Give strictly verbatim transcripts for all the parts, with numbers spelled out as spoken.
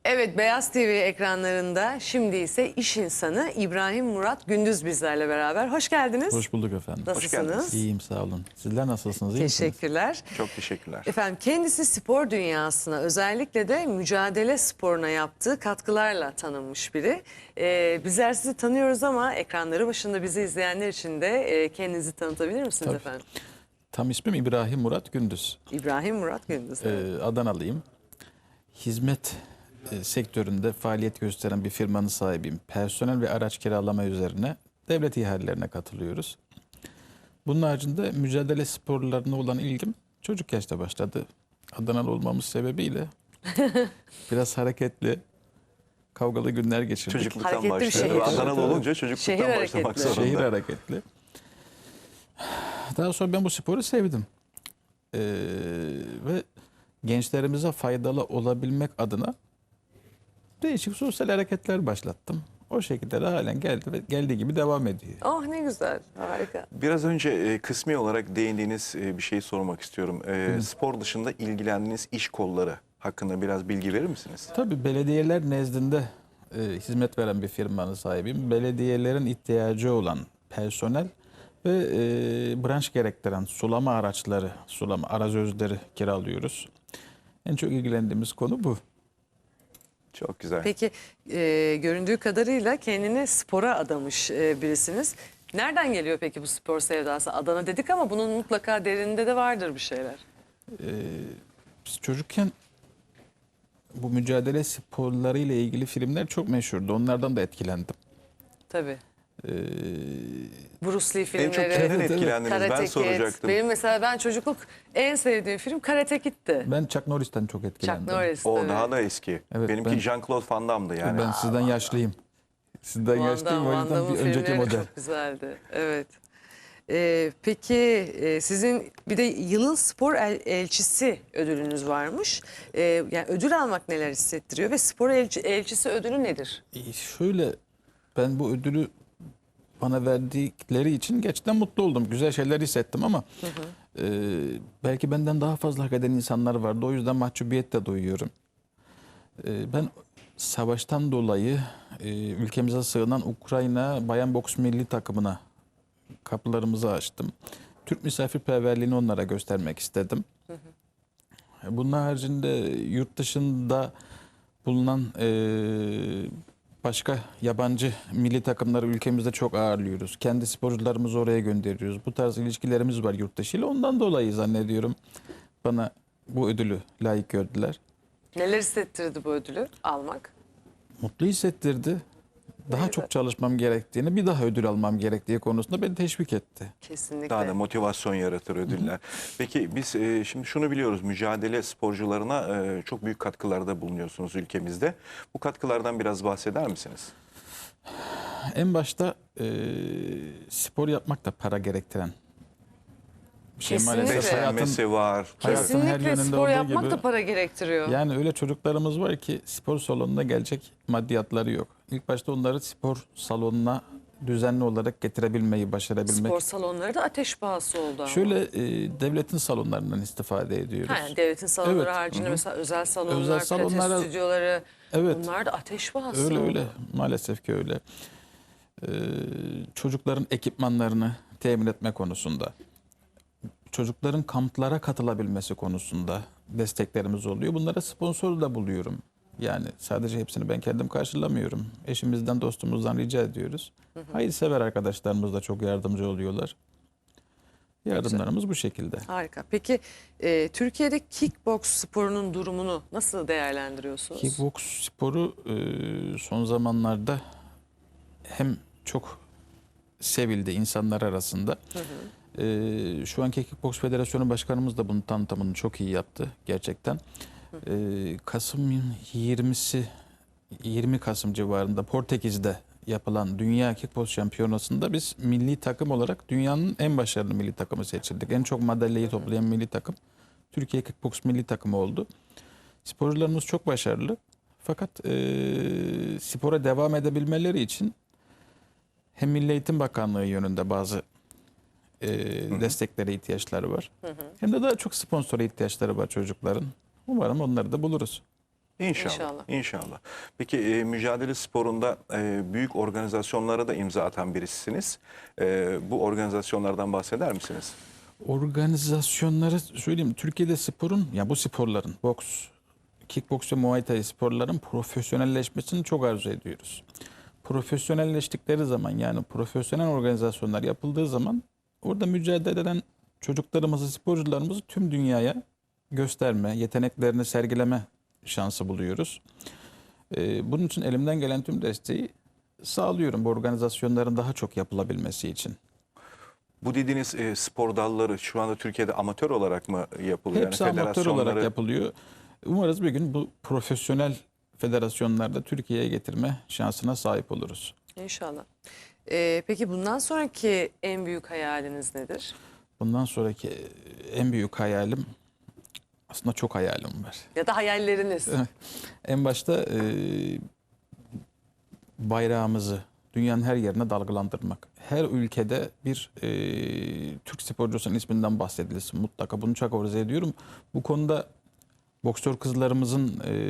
Evet, Beyaz T V ekranlarında şimdi ise iş insanı İbrahim Murat Gündüz bizlerle beraber. Hoş geldiniz. Hoş bulduk efendim. Nasılsınız? İyiyim, sağ olun. Sizler nasılsınız? İyi misiniz? Teşekkürler. Çok teşekkürler. Efendim kendisi spor dünyasına, özellikle de mücadele sporuna yaptığı katkılarla tanınmış biri. Ee, bizler sizi tanıyoruz ama ekranları başında bizi izleyenler için de e, kendinizi tanıtabilir misiniz Tabii. efendim? Tam ismim İbrahim Murat Gündüz. İbrahim Murat Gündüz. Ee, Adanalıyım. Hizmet e, sektöründe faaliyet gösteren bir firmanın sahibiyim. Personel ve araç kiralama üzerine devlet ihalelerine katılıyoruz. Bunun haricinde mücadele sporlarına olan ilgim çocuk yaşta başladı. Adanalı olmamız sebebiyle biraz hareketli, kavgalı günler geçirdik. Çocukluktan Hareketli bir başladı. şehir. Adanalı olunca çocukluktan Şehir başlamak hareketli. zorunda. Şehir hareketli. Daha sonra ben bu sporu sevdim. Ee, ve gençlerimize faydalı olabilmek adına değişik sosyal hareketler başlattım. O şekilde de halen geldi ve geldiği gibi devam ediyor. Oh ne güzel, harika. Biraz önce e, kısmi olarak değindiğiniz e, bir şeyi sormak istiyorum. E, spor dışında ilgilendiğiniz iş kolları hakkında biraz bilgi verir misiniz? Tabii belediyeler nezdinde e, hizmet veren bir firmanın sahibiyim. Belediyelerin ihtiyacı olan personel ve e, branş gerektiren sulama araçları, sulama arazözleri kiralıyoruz. En çok ilgilendiğimiz konu bu. Çok güzel. Peki e, göründüğü kadarıyla kendini spora adamış e, birisiniz. Nereden geliyor peki bu spor sevdası? Adana dedik ama bunun mutlaka derinde de vardır bir şeyler. Ee, biz çocukken bu mücadele sporları ile ilgili filmler çok meşhurdu. Onlardan da etkilendim. Tabii. Ee, Bruce Lee En çok filmleri, kimden evet. etkilendiniz Karate ben Kid. soracaktım. Benim mesela ben çocukluk en sevdiğim film Karate Kid'ti. ben Chuck Norris'ten çok etkilendim. Chuck Norris. O tabii. daha da eski. Evet, Benimki ben- Jean-Claude Van Damme'dı yani. Ben sizden yaşlıyım. Sizden Van yaşlıyım o Damme, Van yüzden Damme'ın bir önceki filmleri model. çok güzeldi. Evet. Ee, peki e, sizin bir de yılın spor el- elçisi ödülünüz varmış. Ee, yani ödül almak neler hissettiriyor ve spor elçi- elçisi ödülü nedir? Ee, şöyle ben bu ödülü bana verdikleri için gerçekten mutlu oldum. Güzel şeyler hissettim ama e, belki benden daha fazla hak eden insanlar vardı. O yüzden mahcubiyet de duyuyorum. E, ben savaştan dolayı e, ülkemize sığınan Ukrayna Bayan Boks Milli Takımına kapılarımızı açtım. Türk misafirperverliğini onlara göstermek istedim. Bunun haricinde yurt dışında bulunan e, başka yabancı milli takımları ülkemizde çok ağırlıyoruz. Kendi sporcularımızı oraya gönderiyoruz. Bu tarz ilişkilerimiz var yurt dışı ile. Ondan dolayı zannediyorum bana bu ödülü layık gördüler. Neler hissettirdi bu ödülü almak? Mutlu hissettirdi. Daha güzel. çok çalışmam gerektiğini, bir daha ödül almam gerektiği konusunda beni teşvik etti. Kesinlikle. Daha da motivasyon yaratır ödüller. Peki biz e, şimdi şunu biliyoruz. Mücadele sporcularına e, çok büyük katkılarda bulunuyorsunuz ülkemizde. Bu katkılardan biraz bahseder misiniz? En başta e, spor yapmak da para gerektiren bir şey Kesinlikle. maalesef. Hayatın, Beslenmesi var. hayatın her Kesinlikle yönünde spor olduğu yapmak gibi. da para gerektiriyor. Yani öyle çocuklarımız var ki spor salonuna gelecek maddiyatları yok. İlk başta onları spor salonuna düzenli olarak getirebilmeyi, başarabilmek. Spor salonları da ateş pahası oldu ama. Şöyle e, devletin salonlarından istifade ediyoruz. Ha, yani devletin salonları Evet. haricinde mesela özel salonlar, Özel pilates salonlara- stüdyoları, Evet. bunlar da ateş pahası Öyle oldu. öyle. Maalesef ki öyle. Ee, çocukların ekipmanlarını temin etme konusunda, çocukların kamplara katılabilmesi konusunda desteklerimiz oluyor. Bunlara sponsor da buluyorum. Yani sadece hepsini ben kendim karşılamıyorum. Eşimizden, dostumuzdan rica ediyoruz. Hayırsever arkadaşlarımız da çok yardımcı oluyorlar. Yardımlarımız bu şekilde. Harika. Peki e, Türkiye'de kickboks sporunun durumunu nasıl değerlendiriyorsunuz? Kickboks sporu e, son zamanlarda hem çok sevildi insanlar arasında. E, şu anki Kickboks Federasyonu Başkanımız da bunun tanıtımını çok iyi yaptı gerçekten. E, Kasım yirmisi yirmi Kasım civarında Portekiz'de yapılan Dünya Kickboks Şampiyonası'nda biz milli takım olarak dünyanın en başarılı milli takımı seçildik. En çok madalyayı toplayan milli takım Türkiye Kickboks milli takımı oldu. Sporcularımız çok başarılı. Fakat e, spora devam edebilmeleri için hem Milli Eğitim Bakanlığı yönünde bazı e, desteklere ihtiyaçları var. Hem de daha çok sponsora ihtiyaçları var çocukların. Umarım onları da buluruz. İnşallah. İnşallah. İnşallah. Peki e, mücadele sporunda e, büyük organizasyonlara da imza atan birisiniz. E, bu organizasyonlardan bahseder misiniz? Organizasyonları söyleyeyim. Türkiye'de sporun, ya bu sporların, boks, kickboks ve muay thai sporların profesyonelleşmesini çok arzu ediyoruz. Profesyonelleştikleri zaman, yani profesyonel organizasyonlar yapıldığı zaman orada mücadele eden çocuklarımızı, sporcularımızı tüm dünyaya gösterme, yeteneklerini sergileme şansı buluyoruz. Ee, bunun için elimden gelen tüm desteği sağlıyorum bu organizasyonların daha çok yapılabilmesi için. Bu dediğiniz e, spor dalları şu anda Türkiye'de amatör olarak mı yapılıyor? Hepsi amatör olarak federasyonları- yapılıyor. Umarız bir gün bu profesyonel federasyonlarda Türkiye'ye getirme şansına sahip oluruz. İnşallah. Ee, peki bundan sonraki en büyük hayaliniz nedir? Bundan sonraki en büyük hayalim, aslında çok hayalim var. Ya da hayalleriniz? En başta e, bayrağımızı dünyanın her yerine dalgalandırmak. Her ülkede bir e, Türk sporcusunun isminden bahsedilsin mutlaka. Bunu çok arzu ediyorum. Bu konuda boksör kızlarımızın e,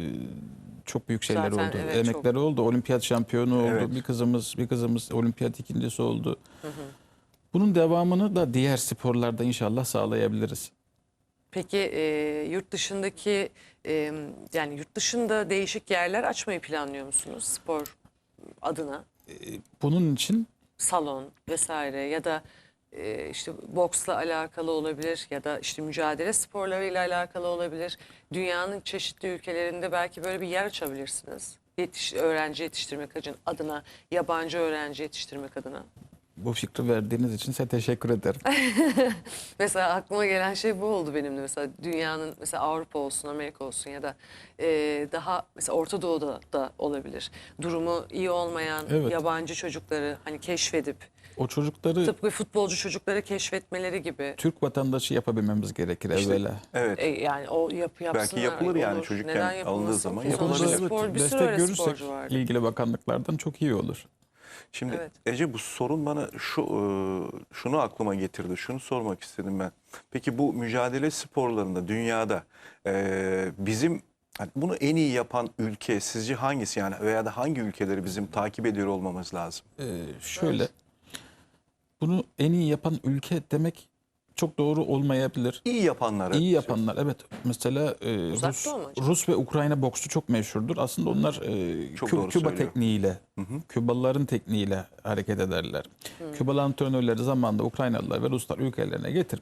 çok büyük şeyler Zaten oldu. evet, Emekleri çok. oldu. Olimpiyat şampiyonu oldu. Evet. Bir kızımız bir kızımız olimpiyat ikincisi oldu. Bunun devamını da diğer sporlarda inşallah sağlayabiliriz. Peki e, yurt dışındaki e, yani yurt dışında değişik yerler açmayı planlıyor musunuz spor adına? Bunun için Salon vesaire ya da e, işte boksla alakalı olabilir ya da işte mücadele sporlarıyla alakalı olabilir. Dünyanın çeşitli ülkelerinde belki böyle bir yer açabilirsiniz. Yetiş, öğrenci yetiştirmek adına, yabancı öğrenci yetiştirmek adına. bu fikri verdiğiniz için size teşekkür ederim. Mesela aklıma gelen şey bu oldu benim de. Mesela dünyanın mesela Avrupa olsun, Amerika olsun ya da e, daha mesela Orta Doğu'da da olabilir. Durumu iyi olmayan Evet. yabancı çocukları hani keşfedip O çocukları tıpkı futbolcu çocukları keşfetmeleri gibi. Türk vatandaşı yapabilmemiz gerekir İşte, evvela. evet. E, yani o yap, yapsınlar. yapılır yani olur. çocukken Neden alındığı yapılmasın zaman ki? yapılabilir. Sonuçta Evet, spor, bir sürü destek öyle görürsek sporcu vardı. ilgili bakanlıklardan çok iyi olur. Şimdi Evet. Ece, bu sorun bana şu e, şunu aklıma getirdi. Şunu sormak istedim ben. Peki bu mücadele sporlarında dünyada e, bizim hani bunu en iyi yapan ülke sizce hangisi, yani veya da hangi ülkeleri bizim takip ediyor olmamız lazım? Ee, şöyle, bunu en iyi yapan ülke demek çok doğru olmayabilir. İyi yapanları. İyi yapanlar, evet. Mesela e, Uzak Rus, Doğu mu acaba? Rus ve Ukrayna boksu çok meşhurdur. Aslında onlar e, Çok Kü- doğru Küba söylüyor. tekniğiyle, Kübalıların tekniğiyle hareket ederler. Kübalı antrenörleri zamanında Ukraynalılar ve Ruslar ülkelerine getirip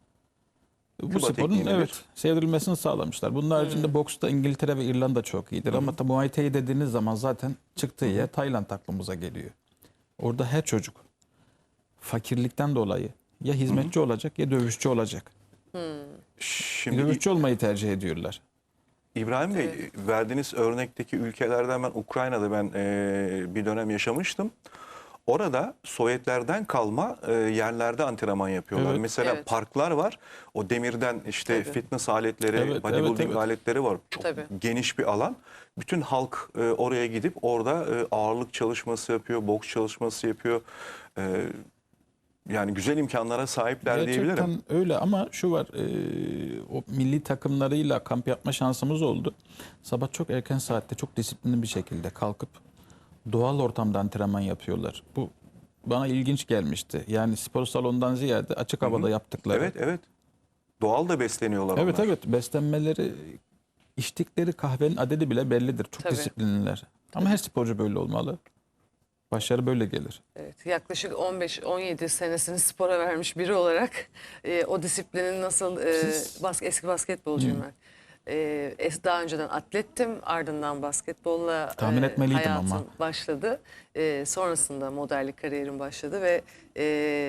bu Küba sporun tekniği nedir? evet sevdirilmesini sağlamışlar. Bunun haricinde boksta İngiltere ve İrlanda çok iyidir. Ama tabii Muay Thai dediğiniz zaman zaten çıktığı yer Tayland aklımıza geliyor. Orada her çocuk fakirlikten dolayı ya hizmetçi olacak ya dövüşçü olacak. Şimdi Dövüşçü olmayı tercih ediyorlar. İbrahim Bey, verdiğiniz örnekteki ülkelerden ben Ukrayna'da ben e, bir dönem yaşamıştım. Orada Sovyetlerden kalma e, yerlerde antrenman yapıyorlar. Evet. Mesela Evet. parklar var. O demirden işte Tabii. fitness aletleri, Evet, bodybuilding evet, evet. aletleri var. Çok Tabii. geniş bir alan. Bütün halk e, oraya gidip orada e, ağırlık çalışması yapıyor, boks çalışması yapıyor. E, yani güzel imkanlara sahipler diyebilirim. Gerçekten öyle ama şu var, e, o milli takımlarıyla kamp yapma şansımız oldu. Sabah çok erken saatte çok disiplinli bir şekilde kalkıp doğal ortamda antrenman yapıyorlar. Bu bana ilginç gelmişti. Yani spor salonundan ziyade açık havada yaptıkları. Evet, evet. Doğal da besleniyorlar Evet onlar. evet, beslenmeleri, içtikleri kahvenin adedi bile bellidir. Çok Tabii. disiplinliler. Ama her sporcu böyle olmalı. Başarı böyle gelir. Evet, yaklaşık on beş on yedi senesini spora vermiş biri olarak e, o disiplinin nasıl e, Siz- bas, eski basketbolcuyum ben. E, es- daha önceden atlettim, ardından basketbolla Tahmin etmeliydim hayatım ama. başladı. E, sonrasında modellik kariyerim başladı ve e,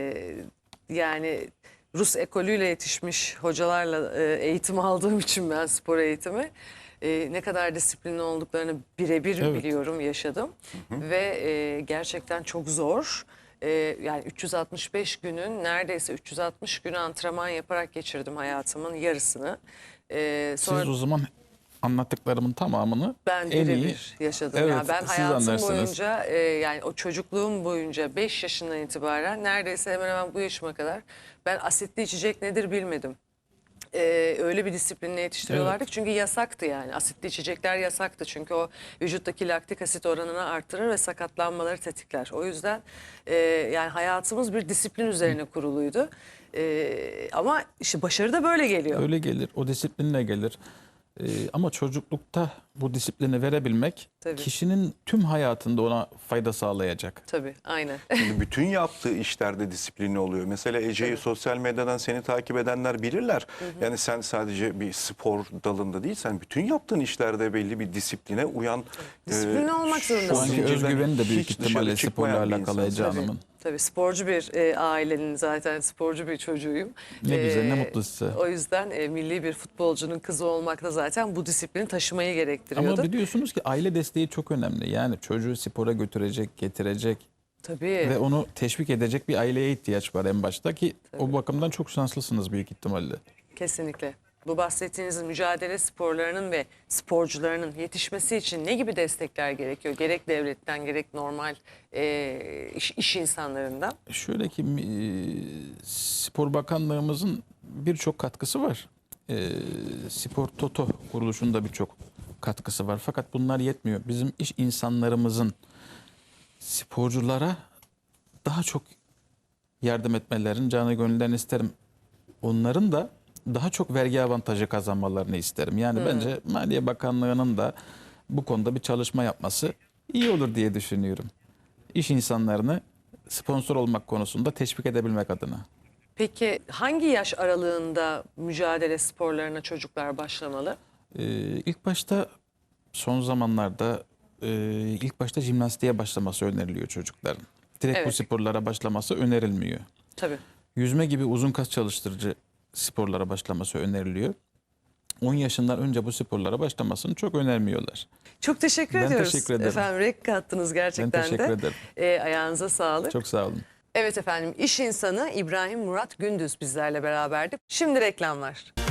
yani Rus ekolüyle yetişmiş hocalarla e, eğitim aldığım için ben spor eğitimi e, ne kadar disiplinli olduklarını birebir Evet. biliyorum, yaşadım. Ve e, gerçekten çok zor. E, yani üç yüz altmış beş günün neredeyse üç yüz altmış günü antrenman yaparak geçirdim hayatımın yarısını. E, sonra Siz o zaman anlattıklarımın tamamını ben en iyi birebir yaşadım. Evet, yani ben siz hayatım anlarsınız. boyunca e, yani o çocukluğum boyunca beş yaşından itibaren neredeyse hemen hemen bu yaşıma kadar ben asitli içecek nedir bilmedim. e, öyle bir disiplinle yetiştiriyorlardı ki çünkü yasaktı yani. Asitli içecekler yasaktı çünkü o vücuttaki laktik asit oranını artırır ve sakatlanmaları tetikler. O yüzden e, yani hayatımız bir disiplin üzerine kuruluydu. E, ama işte başarı da böyle geliyor. Öyle gelir, o disiplinle gelir. Ee, ama çocuklukta bu disiplini verebilmek Tabii. kişinin tüm hayatında ona fayda sağlayacak. Tabii, aynen. Şimdi bütün yaptığı işlerde disiplinli oluyor. Mesela Ece'yi Evet. sosyal medyadan seni takip edenler bilirler. Yani sen sadece bir spor dalında değil, sen bütün yaptığın işlerde belli bir disipline uyan. Disiplinli olmak şu zorundasın. Şu anki zincirden özgüveni de büyük hiç ihtimalle dışarı sporla çıkmayan bir alakalı insansın. Ece Hanım'ın. Tabii sporcu bir e, ailenin zaten sporcu bir çocuğuyum. Ne güzel, ne E, mutlu size. O yüzden e, milli bir futbolcunun kızı olmak da zaten bu disiplini taşımayı gerektiriyordu. Ama biliyorsunuz ki aile desteği çok önemli. Yani çocuğu spora götürecek, getirecek Tabii. ve onu teşvik edecek bir aileye ihtiyaç var en başta ki o bakımdan çok şanslısınız büyük ihtimalle. Kesinlikle. Bu bahsettiğiniz mücadele sporlarının ve sporcularının yetişmesi için ne gibi destekler gerekiyor? Gerek devletten gerek normal e, iş, iş insanlarından. Şöyle ki e, Spor Bakanlığımızın birçok katkısı var. E, Spor Toto kuruluşunda birçok katkısı var. Fakat bunlar yetmiyor. Bizim iş insanlarımızın sporculara daha çok yardım etmelerini canı gönülden isterim. Onların da daha çok vergi avantajı kazanmalarını isterim. Yani bence Maliye Bakanlığı'nın da bu konuda bir çalışma yapması iyi olur diye düşünüyorum. İş insanlarını sponsor olmak konusunda teşvik edebilmek adına. Peki hangi yaş aralığında mücadele sporlarına çocuklar başlamalı? Ee, ilk başta son zamanlarda e, ilk başta jimnastiğe başlaması öneriliyor çocukların. Direkt bu Evet. sporlara başlaması önerilmiyor. Tabii. Yüzme gibi uzun kas çalıştırıcı sporlara başlaması öneriliyor. on yaşından önce bu sporlara başlamasını çok önermiyorlar. Çok teşekkür Ben ediyoruz. teşekkür ederim. Efendim renk kattınız gerçekten Ben teşekkür de. ederim. E, ayağınıza sağlık. Çok sağ olun. Evet efendim iş insanı İbrahim Murat Gündüz bizlerle beraberdi. Şimdi reklamlar.